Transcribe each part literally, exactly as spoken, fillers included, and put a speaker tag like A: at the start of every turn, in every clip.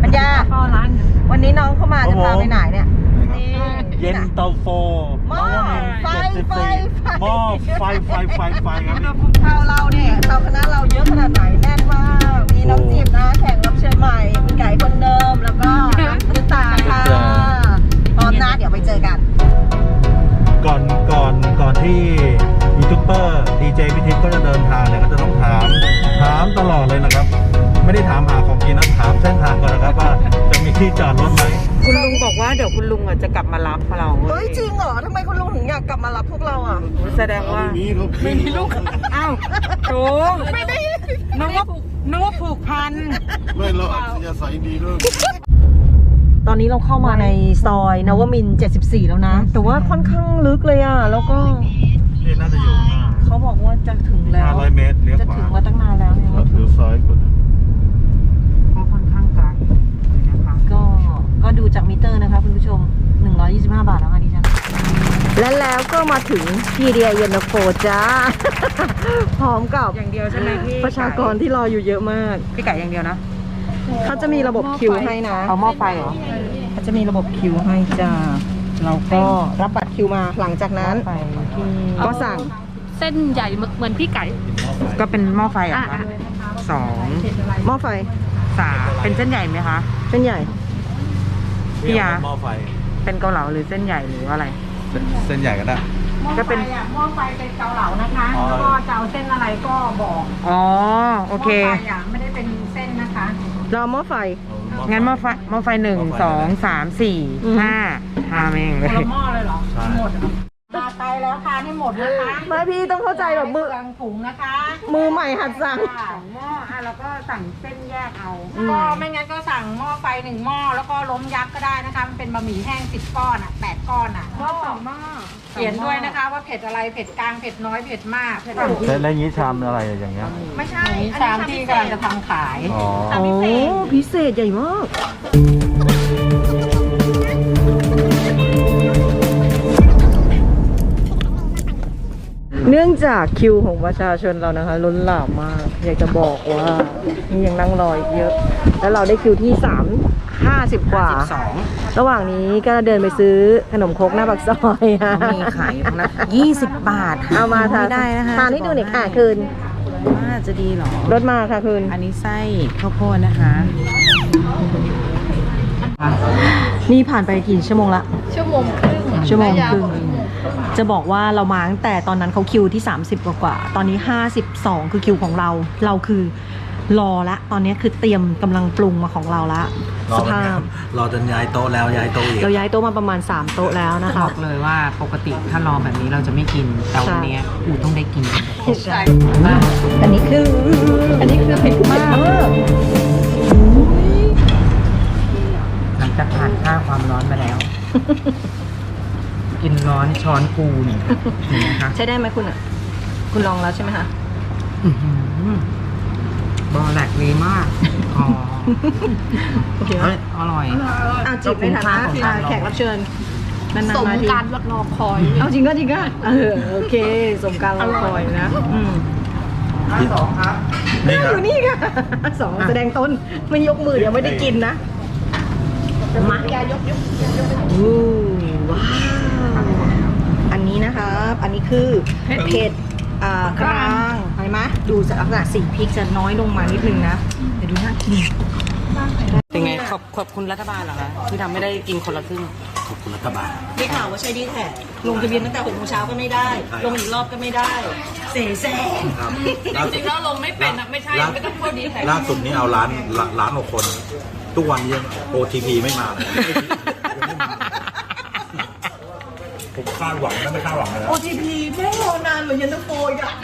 A: ปัญญาวันนี้น้องเข้ามาจะพาไปไหนเนี่ย
B: เย็นเตาโฟหม้อไฟไฟหม้อไฟไฟไฟไฟครับ
A: เตาเราเนี่ยเตาคณะเราเยอะขนาดไหนแน่นมากมีน้องจีบนะแข่งรับเชิญใหม่มีไก่คนเดิมแล้วก็น้ำตาค่ะพร้อมนะเดี๋ยวไปเจอกัน
B: ก่อนก่อนก่อนที่ยูทูบเบอร์ดีเจพิทิพย์ก็จะเดินทางเนี่ยก็จะต้องถามถามตลอดเลยนะครับไม่ได้ถามหาของกินนะถามเส้นทางก่อนนะครับว่าจะมีที่จอดรถไหม
C: คุณลุงบอกว่าเดี๋ยวคุณลุงอ่ะจะกลับมารับเรา
A: เฮ้ยจริงเหรอทำไมคุณลุงถึงอยากกลับมารับพวกเราอ่ะ
C: แสดงว่าไม่มีลูกอ้าวโถไม่ได้นึกว่านึกว่าผูกพัน
B: ไม่เราจะใส่ดีด้วย
A: ตอนนี้เราเข้ามาในซอยนวมินทร์เจ็ดสิบสี่แล้วนะแต่ว่าค่อนข้างลึกเลยอ่ะแล้วก็
B: นี่น่าจะอยู่ข้างหน้า
A: เขาบอกว่าจะถึงแล้ว
B: ห้าร้อยเมตรเลี้ยวขวา
A: จะถึงมาตั้งนานแล้วเนี่ย
B: เลี้ยวซ้ายก่อน
C: ก็ค่อนข้างไกลนะคะ
A: ก็ก็ดูจากมิเตอร์นะคะคุณผู้ชมหนึ่งร้อยยี่สิบห้าบาทแล้วค่ะดิฉันและแล้วก็มาถึงพีเดียเย็นตาโฟจ้าพร้อมกับ
C: อย่างเดียวใช่ไหมพี่
A: ประชากรที่รออยู่เยอะมาก
C: พี่ไก่อย่างเดียวนะ
A: เขาจะมีระบบคิวให้นะ
C: เอาหม้อไฟเหรอ
A: เขาจะมีระบบคิวให้จ้าเราก็รับบัตรคิวมาหลังจากนั้นก็สั่ง
D: เส้นใหญ่เหมือนพี่ไก่
C: ก็เป็นหม้อไฟอ่ะสอง
A: หม้อไฟ
C: สามเป็นเส้นใหญ่ไหมคะ
A: เส้นใหญ่
C: พี่ยา
B: หม้อไฟ
C: เป็นเกาเหลาหรือเส้นใหญ่หรืออะไร
B: เส้นใหญ่ก็ได้
C: ก็เป็น
D: หม้อไฟเป็นเกาเหลานะคะแล้วก็จะเอาเส้นอะไรก็บอก
C: อ๋อโอเค
D: หม้อไฟไม่ได้เป็นเส้นนะคะ
A: เราหม้อไฟ
C: งั้นหม้อไฟหม้อไฟหนึ่งสองสามสี่ห้าห้าแม่งเลย
D: หม้อเลยเหรอหมดมาไปแล้วค่ะให้หมดนะคะ
A: ไม่พี่ต้องเข้าใจแบบมือ
D: ถุงนะคะ
A: มือใหม่หัดสั่ง
D: หม้ออ่ะแล้วก็สั่งเส้นแยกเอาก็ไม่งั้นก็สั่งหม้อไฟหนึ่งหม้อแล้วก็ล้มยักษ์ก็ได้นะคะมันเป็นบะหมี่แห้งสิบก้อนอ่ะแปดก้อนอ่ะหม้อสองหม้อเขียนด้วยนะคะว่าเผ็ดอะไรเผ็ดกลางเผ็ดน้อยเผ็ดมาก
B: แล้วแล้วนี้ชามอะไรอย่างเงี้ย
D: ไม่ใช่ชามที่กำลังจะทำขาย
B: อ๋อ
A: พิเศษใหญ่มากเนื่องจากคิวของประชาชนเรานะคะล้นหลามมากอยากจะบอกว่านี่ยังนั่งรออีกเยอะแล้วเราได้คิวที่สามห้าสิบกว่าระหว่างนี้ก็เดินไปซื้อขนมครกหน้าปากซอย
C: มีขายอยู่นะยี่สิบบาท
A: เอามาทาน
C: ได้นะคะ
A: ทานให้ดูหน่อยค่ะคืน
C: น่าจะดีหรอ
A: รถมาค่ะคืน
C: อันนี้ไส้ข้าวโพดนะคะ
A: นี่ผ่านไปกี่ชั่วโมงละ
D: ชั่วโมงครึ่ง
A: ชั่วโมงครึ่งจะบอกว่าเรามาตั้งแต่ตอนนั้นเขาคิวที่สามสิบกว่ากว่าตอนนี้ห้าสิบสองคือคิวของเราเราคือรอละตอนนี้คือเตรียมกำลังปรุงมาของเราละสภาพ
B: รอจนย้ายโต๊ะแล้วย้ายโต๊ะอีก
A: เราย้ายโต๊ะมาประมาณสามโต๊ะแล้วนะคะ
C: บอกเลยว่าปกติถ้ารอแบบนี้เราจะไม่กินแต่วันนี้อูต้องได้กิน
A: ใช่อันนี้คืออันนี้คือเผ็ดมาก
C: หลังจากผ่านค่าความร้อนมาแล้วกินร้อนช้อนกูนี่นะคะ
A: ใช้ได้ไหมคุณอ่ะคุณลองแล้วใช่ไหมคะ
C: บอแหลกดีมากอ๋อ
A: โอเค
C: อร่อย
A: เอาจีบในฐานะแขกรับเชิญ
D: สมการรอคอย
A: เอาจริงก็จริงก็เออโอเคสมการรอคอยนะ
B: สองครับ
A: อยู่นี่ค่ะสองแสดงต้นไม่ยกมือเดี๋ยวไม่ได้กินนะมายกยกอู้ว้าวอันนี้นะครับอันนี้คือเผ็ดอ่ากลางเห็นไหมดูจากลักษณะสีพริกจะน้อยลงมานิดนึงนะเดี๋ยวดูน่ากิน
C: เป็นไงขอบขอบคุณรัฐบาลเหรอคะที่ทำให้ได้กินคนละครึ่ง
B: ขอบคุณรัฐบาล
A: ได้ข่าวว่าใช้ดีแท็กลงทะเบียนตั้งแต่หกโมงเช้าก็ไม่ได้ลงอีกรอบก็ไม่ได้เสียแซง
D: จริงๆแล้วลงไม่เป็นนะไม่ใช่ไม่ต้องพูดดีแท็ก
B: ล่าสุดนี้เอาล้านล้านกว่าคนทุกวันยัง โอ ที พี ไม่มาเลยผมคาดหวังนะไม่คาดหวังเลย
A: โอ ที พี ไม่รอนานเหมือนยันตะโฟยอ่ะ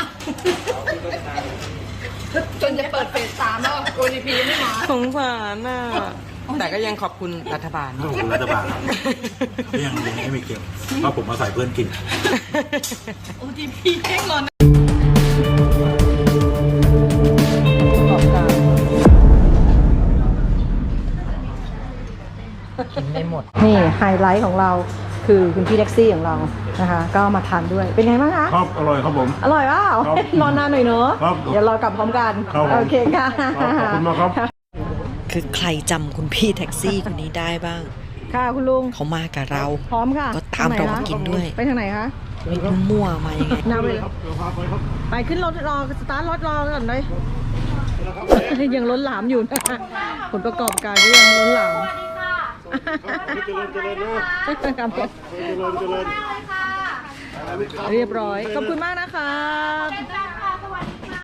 D: จนจะเปิดเฟสสามแล้ว โอ ที พี ไม่มา
C: สงสารน่ะแต่ก็ยังขอบคุณรัฐบาล
B: ขอบคุณรัฐบาลที่ยังยังไม่มีเกี่ยวเพราะผมมาใส่เพื่อนกิน
D: โอ ที พี แค่รอน
C: กินได้หมด
A: นี่ไฮไลท์ของเราคือคุณพี่แท็กซี่ของเรานะคะก็มาทานด้วยเป็นไงบ้างคะ
B: ครับอร่อยครับผม
A: อร่อยเปล่ารอนานหน่อยเนอะเดี๋ยวรอกลับพร้อมกันโอเคค่ะ
B: ขอบคุณมากครับ
E: คือใครจำคุณพี่แท็กซี่คนนี้ได้บ้าง
A: ค่ะคุณลุง
E: เขามากับเรา
A: พร้อมค่ะ
E: ก็ตามเรามากินด้วย
A: ไปทางไหนคะ
E: ไม่รู้มั่วมายังไง
A: นาไปเลยไปขึ้นรถรอสตาร์ทรถรอก่อนเลยยังล้นหลามอยู่นะผลประกอบการก็ยังล้นหลามครับเรียบร้อยขอบคุณมากนะครับ